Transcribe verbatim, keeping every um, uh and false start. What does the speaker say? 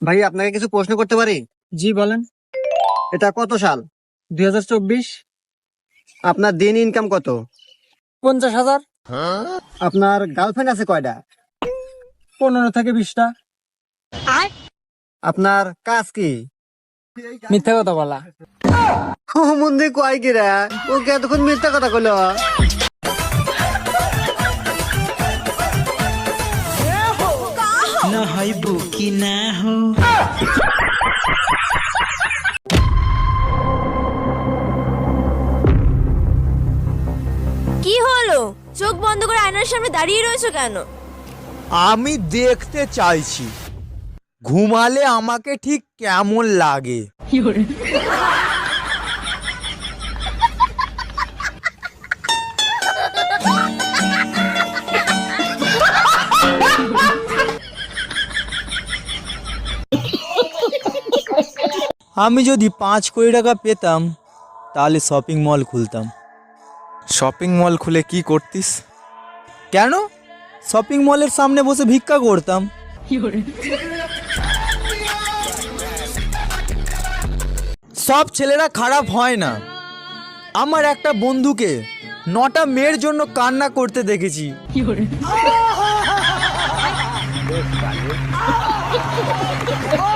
ভাই আপনাকে কিছু প্রশ্ন করতে পারি? জি বলেন। এটা কত সাল? দুই হাজার চব্বিশ। আপনার দিন ইনকাম কত? পঞ্চাশ হাজার। আপনার গার্লফ্রেন্ড আছে কয়টা? পনেরো থেকে বিশটা। আপনার কাজ কি? মিথ্যা কথা বলা। ও মন্দির কয় কি রে? ওকে এতক্ষণ মিথ্যা কথা কইলো। না হয় বুকি না হো। কি হলো? চোখ বন্ধ করে আয়নার সামনে দাঁড়িয়ে রয়েছো কেন? আমি দেখতে চাইছি ঘুমালে আমাকে ঠিক কেমন লাগে। আমি যদি পাঁচ কোটি টাকা পেতাম তাহলে শপিং মল খুলতাম। শপিং মল খুলে কি করতিস? কেন? শপিং মলের সামনে বসে ভিক্ষা করতাম। সব ছেলেরা খারাপ হয় না। আমার একটা বন্ধুকে নটা মেয়ের জন্য কান্না করতে দেখেছি।